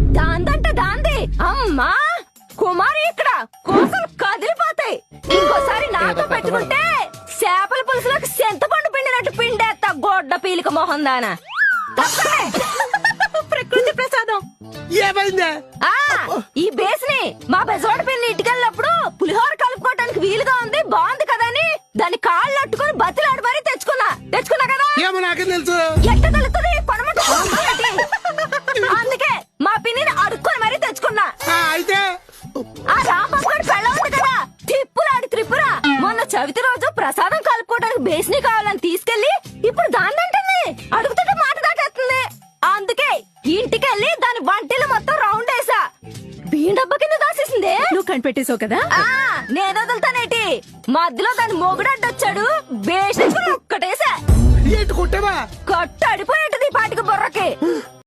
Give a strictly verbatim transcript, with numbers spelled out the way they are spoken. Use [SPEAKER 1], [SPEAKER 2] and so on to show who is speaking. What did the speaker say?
[SPEAKER 1] దాందంటే దాంది అమ్మా కుమారి ఇక్కడ కోసలు కదిలిపోతాయి. ఇంకోసారి నాతో పెట్టుకుంటే చేపల పులుసులోకి చింతపండు పిండినట్టు పిండేస్తా గొడ్డ పీలిక మొహం దానా. ప్రకృతి ప్రసాదం
[SPEAKER 2] ఏమైందే?
[SPEAKER 1] ఆ ఈ బేస్ని మా బెజవాడ పిల్లి ఇటుకెళ్ళినప్పుడు పులిహోర కలుపుకోవడానికి వీలుగా ఉంది, బాగుంది కదా అని దాని కాళ్ళు అట్టుకుని బతిలాడి మరీ తెచ్చుకున్నా తెచ్చుకున్నా కదా.
[SPEAKER 2] ఏమో నాకేం తెలుసు.
[SPEAKER 1] ఎట్ట తెలుస్తుంది కొనమట. అందుకే మా పిన్నిని అడుక్కొని మరీ తెచ్చుకున్నా.
[SPEAKER 2] ఆ, అయితే
[SPEAKER 1] ఆ రాంబాబు గారి పెళ్ళ ఉంది కదా తిప్పులాడి త్రిపుర మొన్న చవితి రోజు ప్రసాదం కలుపుకోవడానికి బేస్ని కావాలని తీసుకెళ్లి ఇప్పుడు దాన్ని అంటుంది. అడుగుతుంటే మాట దాటేస్తుంది. అందుకే ఇంటికెళ్ళి దాని వంటిలు మొత్తం రౌండ్ వేసా. బియ్యం డబ్బా కింద దాసేసిందే.
[SPEAKER 3] నువ్వు కనిపెట్టేసావు కదా.
[SPEAKER 1] ఆ నేను వదులుతానేటి. మధ్యలో దాని మొగుడడ్డొచ్చాడు. బేసి ఒక్కటేసా
[SPEAKER 2] ఏంటి కొట్టావా?
[SPEAKER 1] కొట్టు అడిపోయేటది పాటికి బుర్రకి.